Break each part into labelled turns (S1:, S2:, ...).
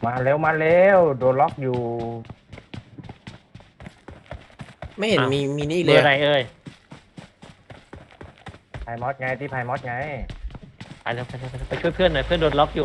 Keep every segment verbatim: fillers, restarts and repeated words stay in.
S1: มาเร็วมาเร็วโดนล็อกอยู่
S2: ไม่เห็นมีมีนี่
S3: เบ
S2: เล
S3: อย ร์อะไรเอ่ย
S1: ไพมอสไงที่ไพมอสไง
S3: ไปแล้วไปแล้วไปแล้วไปช่วยเพื่อนหน่อยเพื่อนโดนล็อกอยู่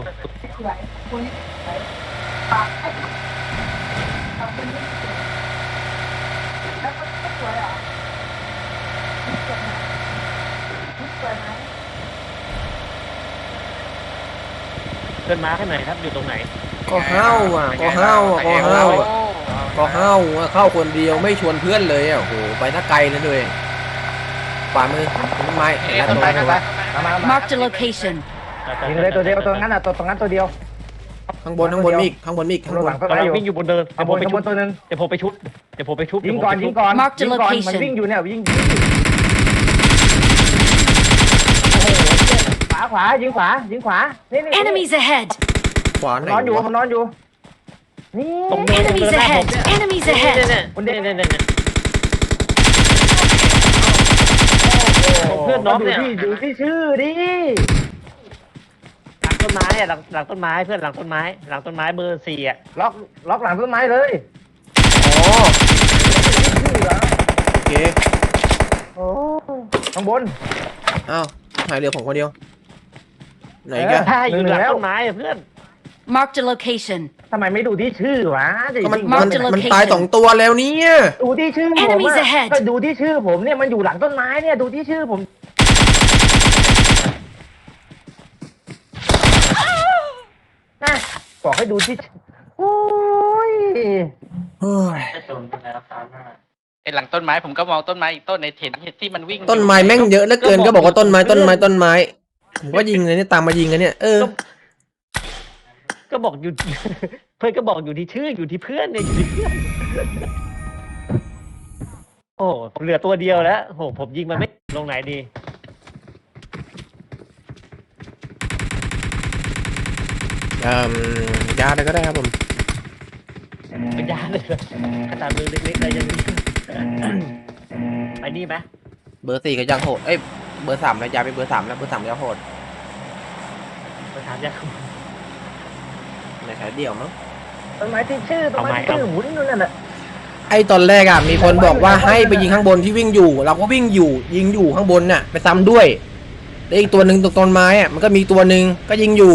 S3: เพื่อนมาร์คให้หน่อยครับอยู่ตรงไหน
S2: ก็เห้าอ่ะก็เห้าอ่ะก็เห้าอ่ะก็เห้าอ่ะเข้าคนเดียวไม่ชวนเพื่อนเลยอ่ะโอ้โหไปถ้าไกลเลยด้วยฝ่ามือต้นไม้เห็นแล้ว
S1: ต้
S2: ต้
S1: น
S2: น
S1: ไม้
S2: ไม้
S1: ต้นไม้มามามา
S4: Marked a location.
S1: ยิงเลยตัวเดียวตัวนั้นอ่ะตัวตรงนั้นตัวเดียว
S2: ข้างบนข้างบนมีอีกข้างบนมีอีกข้างบ
S1: ห
S2: น
S1: ลังต้น
S3: กำ
S1: ไม้
S3: ลัง
S1: อยู่
S3: วิ่งอยู่บนเดิน
S1: ข้า
S3: เดี๋
S1: ง
S3: ยว
S1: บ
S3: ผม
S1: น
S3: ไป
S1: ข้างบ
S3: ชุบ
S1: นตัวหนึ่ง
S3: เดี๋ยวผมไปชุบ
S1: ยิงก่อนยิงก่อน
S4: Mark the
S1: ยิงก่อน
S4: location
S1: มันวิ่งอยู่เนี่ยวิ่งยิงขวาขวายิงขวายิงขวานี่นี่
S4: Enemies ahead.
S2: ขวาไหน
S1: นอนอยู่
S2: วะ
S1: มันนอนอยู่นี่
S3: ตรงเนินตรงเนิ
S4: Enemies
S3: นหน้าผม
S4: ahead.
S3: เนี่ย
S4: Enemies
S3: เนี่ย
S4: ahead.
S3: เนี่ยเนี่ยเนี่ยเนี่ยเพื่อนน้องเนี่ย
S1: ดูที่ดูที่ชื่อดิ
S3: หลังต้นไม้อะหลังหลังต้นไม้เพื่อนหลังต้นไม้หลังต้นไม้เบอร์สี่อะ
S1: ล็อกล็อกหลังต้นไม้เลย
S2: อ๋อ
S1: ชื่อเหรอ
S2: โอเค
S1: โอ้ข้างบน
S2: อ้าวหายเหลือผมคนเดียวไหน
S1: เออ
S2: กัน
S3: ใช่อยู่หลัง
S1: แล้ว
S3: ต้นไม้อะเพื่อน
S4: Marked a location.
S1: ทำไมไม่ดูที่ชื่อวะจะ
S2: ก็มัน
S1: ยิง
S2: มัน
S4: Mark the
S2: มัน
S4: location
S2: ตายสองตัวแล้วเนี่ย
S1: ดูที่ชื่อผม
S4: Enemies
S1: อะ
S4: ahead
S1: ก็ดูที่ชื่อผมเนี่ยมันอยู่หลังต้นไม้เนี่ยดูที่ชื่อผมนะบอกให้ดูที่ชื่อโอ้ย
S2: เฮ้ย
S5: ไอ้หลังต้นไม้ผมก็มองต้นไม้อีกต้นในเห็นที่มันวิ่ง
S2: ต้นไม้แม่งเยอะเหลือเกินก็บอกว่าต้นไม้ต้นไม้ต้นไม้ผมก็ยิงเลยเนี่ยตามมายิงกันเนี่ยเออ
S3: ก็บอกอยู่ เพื่อนก็บอกอยู่ที่ชื่ออยู่ที่เพื่อนเนี่ยอยู่ที่เพื่อนโอ้ผมเหลือตัวเดียวแล้วโอ้ผมยิงมันไม่ลงไหนดี
S2: เอ่อยาอะไรก็ได้ครับผม
S3: เป็นยาเลยเหรอขนาดมือเล็กๆเลยยังมีไปนี่ไหม
S2: เบอร์สี่ก็ยังโหดเอ้ยเบอร์สามแล้วยาไปเบอร์สามแล้วเบอร์สามยังโหด
S3: ไปถามยาคุ
S2: ในสายเดี่ยวมั้ง
S1: ต้นไม้ที่ชื่อต้นไม้ที่ชื่อหมุนนู่นนั่นแหละ
S2: ไอ้ตอนแรกอ่ะมีคนบอกว่าให้ไปยิงข้างบนที่วิ่งอยู่ เราก็วิ่งอยู่ ยิงอยู่ข้างบนน่ะไปซ้ำด้วยแล้วอีกตัวหนึ่งตรงต้นไม้อ่ะมันก็มีตัวหนึ่งก็ยิงอยู่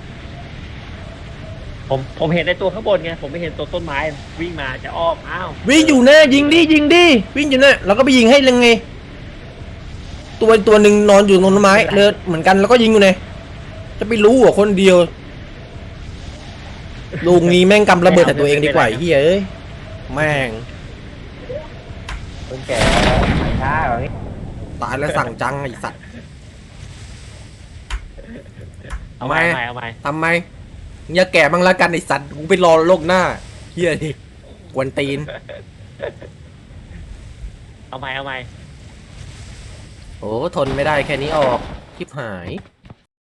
S3: ผมผมเห็นในตัวข้างบนไงผมไม่เห็นตัวต้นไม้วิ่งมาจะอ้อมอ้าว
S2: วิ่งอยู่แน่ยิงดิยิงดิวิ่งอยู่แน่เราก็ไปยิงให้เลยไงตัวตัวหนึ่งนอนอยู่ตรงต้นไม้เลยเหมือนกันแล้วก็ยิงอยู่ไงจะไปรู้เหรอคนเดียวลูกนี้แม่งกำระเบิดแต่ตัวเองดีกว่าไอ้เฮียเอ้ยแม่ง
S1: คนแก่ช้าแบบนี้
S2: ตายแล้วสั่งจังไอ้สัตว์
S3: เอาใหม่เอาใหม่เอาใหม่
S2: ทำไมอย่าแก่บ้างละกันไอ้สัตว์กูไปรอโลกหน้าเฮียดิกวนตีน
S3: เอาใหม่เอาใหม่
S2: โอ้ทนไม่ได้แค่นี้ออกคลิปหาย